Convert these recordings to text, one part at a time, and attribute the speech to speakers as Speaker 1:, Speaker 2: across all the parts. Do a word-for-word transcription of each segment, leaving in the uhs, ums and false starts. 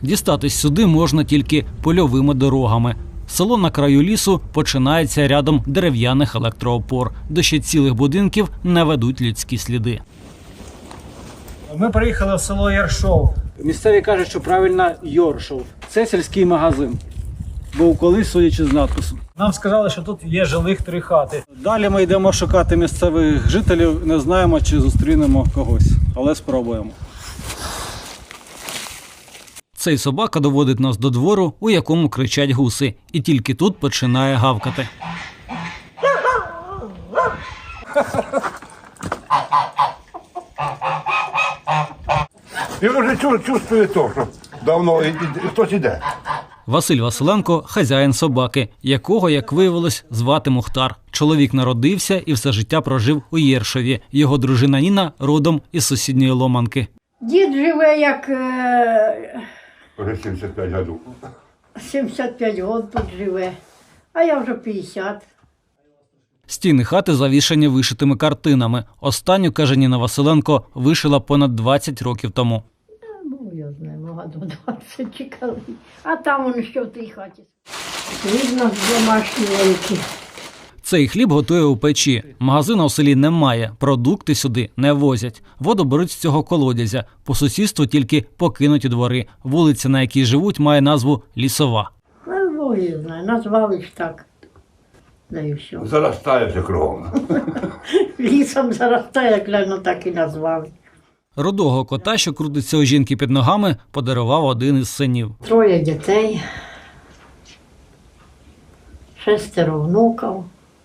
Speaker 1: Дістатись сюди можна тільки польовими дорогами. Село на краю лісу починається рядом дерев'яних електроопор. До ще цілих будинків не ведуть людські сліди. Ми приїхали в село Яршов. Місцеві кажуть, що правильно Йоршов. Це сільський магазин. Був колись, судячи з надпису. Нам сказали, що тут є жилих три хати. Далі ми йдемо шукати місцевих жителів. Не знаємо, чи зустрінемо когось, але спробуємо. Цей собака доводить нас до двору, у якому кричать гуси. І тільки тут починає гавкати.
Speaker 2: Він вже чувствує то, що давно хтось іде.
Speaker 1: Василь Василенко – хазяїн собаки, якого, як виявилось, звати Мухтар. Чоловік народився і все життя прожив у Єршові. Його дружина Ніна родом із сусідньої Ломанки.
Speaker 3: Дід живе як е...
Speaker 2: Вже сімдесят п'ять років.
Speaker 3: сімдесят п'ять років тут живе, а я вже п'ятдесят.
Speaker 1: Стіни хати завішані вишитими картинами. Останню, каже Ніна Василенко, вишила понад двадцять років тому.
Speaker 3: Ну, я знаю, багато двадцять чекали. А там воно що в тій хаті. Видно, домашні великі.
Speaker 1: Цей хліб готує у печі. Магазину в селі немає, продукти сюди не возять. Воду беруть з цього колодязя. По сусідству тільки покинуті двори. Вулиця, на якій живуть, має назву Лісова.
Speaker 3: Ну, Бог її знає, назвали ж так. Да і все.
Speaker 2: Заростає все кругом.
Speaker 3: Лісом заростає, як гляну, так і назвали.
Speaker 1: Рудого кота, що крутиться у жінки під ногами, подарував один із синів.
Speaker 3: Троє дітей, шестеро внуків,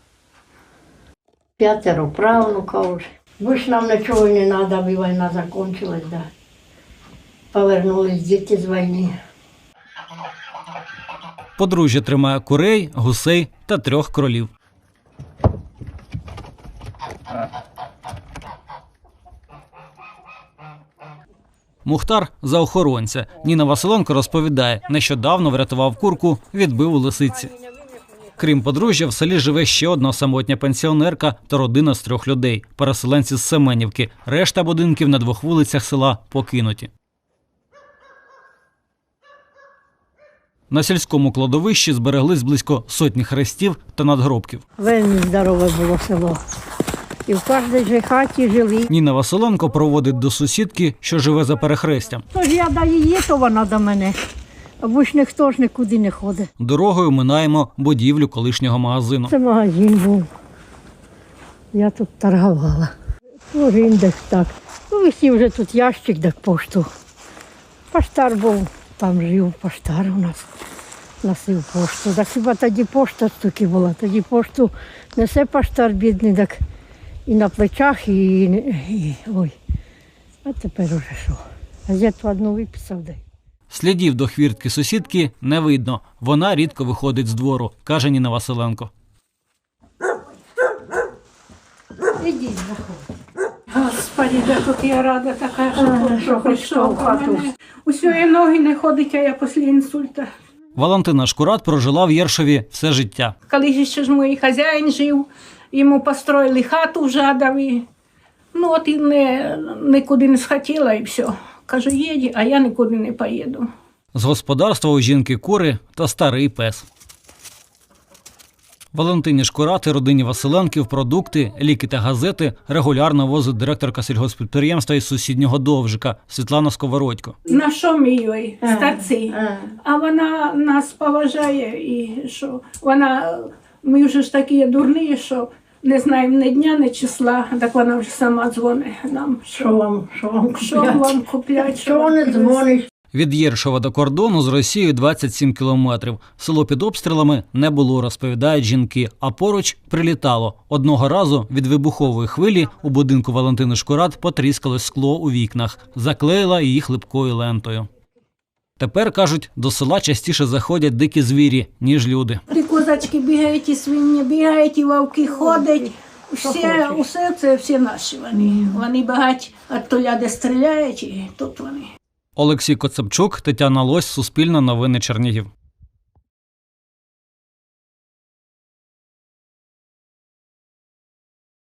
Speaker 3: п'ятеро правнуків. Більше нам нічого не треба, аби війна закінчилась, да. Повернулись діти з війни.
Speaker 1: Подружжя тримає курей, гусей та трьох кролів. Мухтар – за охоронця. Ніна Василенко розповідає, нещодавно врятував курку, відбив у лисиці. Крім подружжя, в селі живе ще одна самотня пенсіонерка та родина з трьох людей – переселенці з Семенівки. Решта будинків на двох вулицях села покинуті. На сільському кладовищі збереглись близько сотні хрестів та надгробків.
Speaker 3: Вельми здорове було село. І в кожній же хаті жили.
Speaker 1: Ніна Василенко проводить до сусідки, що живе за перехрестям.
Speaker 3: Тож я до її, то вона до мене. Або ж ніхто ж нікуди не ходить.
Speaker 1: Дорогою минаємо будівлю колишнього магазину.
Speaker 3: Це магазин був. Я тут торгувала. Тож індекс так. Ну, висів вже тут ящик, так пошту. Поштар був, там жив поштар у нас. Носив пошту. Так хіба тоді пошта тільки була. Тоді пошту несе поштар бідний, так і на плечах, і, і ой. А тепер уже що? Газету одну виписав, дай.
Speaker 1: Слідів до хвіртки сусідки не видно. Вона рідко виходить з двору, каже Ніна Василенко.
Speaker 3: Ідіть, заходь.
Speaker 4: Господи, да тут я рада така, що, що прийшов в хату. Усьої ноги не ходить, а я після інсульта.
Speaker 1: Валентина Шкурат прожила в Єршові все життя.
Speaker 4: Коли ще ж мій хазяїн жив, йому построїли хату в Жадові. Ну от і не, нікуди не схотіла і все. Кажу, їдь, а я нікуди не поїду.
Speaker 1: З господарства у жінки кури та старий пес. Валентині Шкурат і родині Василенків продукти, ліки та газети регулярно возить директорка сільгосппідприємства із сусіднього Довжика Світлана Сковородько.
Speaker 4: На що ми їй, старці? А вона нас поважає і що вона, ми вже ж такі дурні, що не знаємо ні дня, ні числа, так вона вже сама дзвонить нам.
Speaker 3: Що вам, що вам купляти?
Speaker 4: Що вам купляти?
Speaker 3: Що не дзвониш?
Speaker 1: Від Єршова до кордону з Росією двадцять сім кілометрів. Село під обстрілами не було, розповідають жінки, а поруч прилітало. Одного разу від вибухової хвилі у будинку Валентини Шкурат потріскалось скло у вікнах, заклеїла її хлипкою лентою. Тепер, кажуть, до села частіше заходять дикі звірі, ніж люди.
Speaker 4: І козачки бігають, і свині бігають, і вовки ходять. Все, усе це всі наші вони. Вони багать від толя, де стріляють, і тут вони.
Speaker 1: Олексій Коцепчук, Тетяна Лось, Суспільне новини Чернігів.